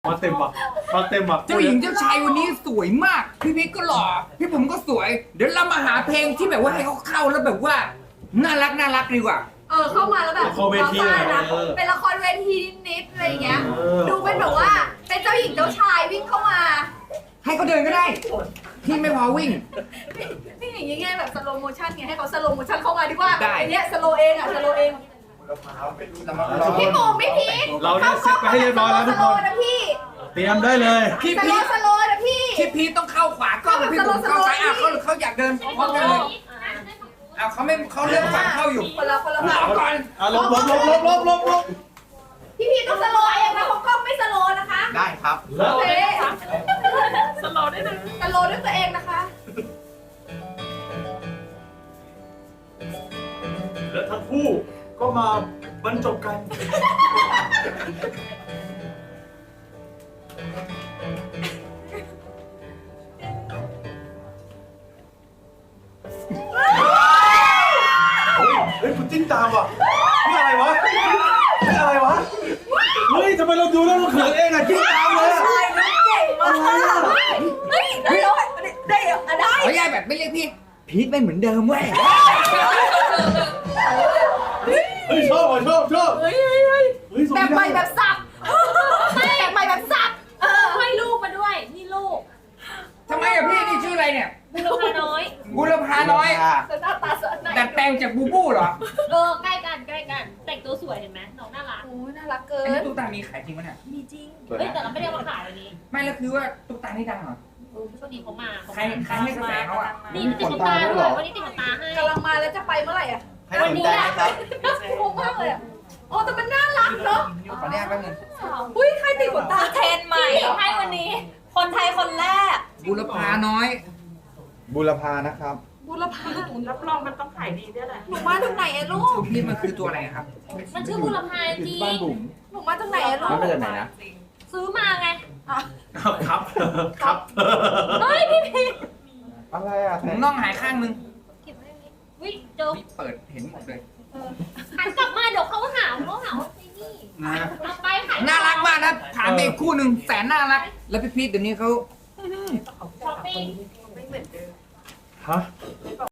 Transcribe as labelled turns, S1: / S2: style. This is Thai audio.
S1: มาเต็มว่ะมาเต็มว่ะ
S2: เจ้าหญิงเจ้าชายวันนี้สวยมาก พี่พีทก็หล่อพี่ผมก็สวย เดี๋ยวเรามาหาเพลงที่แบบว่าให้เขาเข้าแล้วแบบว่าน่ารักดีกว่า
S3: เข้ามาแล้วแบบ
S1: ละครเวทีเลย
S3: นะเป็นละครเวทีนิดๆอะไรอย่างเงี้ยดูเป็นแบบว่าเป็นเจ้าหญิงเจ้าชายวิ่งเข้ามา
S2: ให้เขาเดินก็ได้ที่ไม่พอวิ่ง
S3: นี่อย่างเงี้ยแบบสโลโมชั่นไงให้เขาสโลโมชั่นเข้ามาดีกว่า
S2: ได้
S3: อันเนี้ยสโลเองอ่ะสโลเองพี่ปูไม่พีท
S1: เราได้เซ็ตไปให้เรียบร้อยแล้วทุกคน
S3: นะพี่
S1: เตรียมได้เลย
S2: พี่
S3: สโล
S2: พีท
S3: สโลนะพี่
S2: พี่พีทต้องเข้าขวาก็พี่ผมเข้าซ้ายเขาอยากเดินพร้อมกันเลยเขาเลือกฝั่งเข้าอยู่
S3: คนละ
S2: รอก่อน
S1: ลบ
S3: พี่พีทต้องสโลเองนะเพราะกล้องไม่สโลนะคะ
S2: ได้ครับ
S3: โอเค
S4: สโลว์ได้เลย
S3: สโลด้วยตัวเองนะคะ
S1: และทั้งคู่ก็มาบรรจบกันเฮ้ยคุณจิ้นตามว่ะนี่อะไรวะนี่อะไรวะเฮ้ยทำไมเราดูแล้วเราเขินเองอะจิ้นตามเลยอะ
S3: เก่งมากเฮ้ยได้เหรอได้
S2: เขาแยกแบบไม่เรียกพี่พีทไม่เหมือนเดิมเว้ย
S1: เฮ้ยชอบว่ะชอบ
S3: เฮ้ย
S1: เฮ้ย
S3: แบบใหม่แบบสับแบบใหม่แบบสับ
S4: ให้ลูกมาด้วย นี่ลูก
S2: ทำไมอะพี่นี่ชื่ออะไรเนี่ย
S4: บุรพาน้อย
S2: บุรพาน้อย
S3: หน้าตาสดไหน
S2: ดัดแปลงจากบูบูเหรอ
S4: ใกล้กัน แต่งตัวสวยเห็นไหมน้องน่ารัก
S3: โอ้น่ารักเกิ
S2: อันนี้
S3: น
S2: ตุ๊กตามีขายจริงปะเนี่ย
S4: มีจริง เฮ้ยแต่เราไม่ได้เอามาขายวันนี้
S2: ไม่แล้วคือว่าตุ๊กตานี่ดังเหรอ
S4: ก็ดีเขามา
S2: ใครให้กระแสเขาอะ
S4: นี่ติดขนตาด้วยวันนี้ติดขนตาให้
S3: กำลังมาแล้วจะไปเมื่อไหร่อ่ะ
S4: วันนี้แหละ
S3: งงมากเลยอ่ะโอ้แต่มันน่ารักเนาะ
S2: ขออนุญาตแป๊บนึง
S3: อุ้ยใครติดขนตา
S4: เทรนใหม่ให้วันนี้ คนไทยคนแรก
S2: บุรพาน้อย
S5: บุรพานะครับ
S3: บุรพา
S4: รับรองมันต้องขายดีด้วยแหละ
S3: หนูมาจากไหนอะลูก
S2: พี่มันคือตัวอะไรอะครับ
S4: มันชื่อบุรพาจริง
S5: บ้านบุ๋ม
S3: หนูมาจากไหนอะลู
S5: มัน
S3: ก
S5: มาจากไหนนะ
S4: ซื้อมาไง
S1: ครับ
S4: เฮ้ยพี่พี
S5: อะไรอ่ะ
S2: ผมน่องหายข้างนึง
S4: เก็บไว้ตรงนี้วิเดี๋ยว
S2: พี่เปิดเห็นหมดเลย
S4: หันกลับมาเดี๋ยวเขาหาว่าไอ้นี่
S2: นะ
S4: เอาไปขาย
S2: น่ารักมากนะถามไปอีกคู่หนึ่งแสนน่ารัก แล้วพี่พีทเดี๋ยวนี้เขา
S4: ช้อปปิ้ง
S1: ฮะ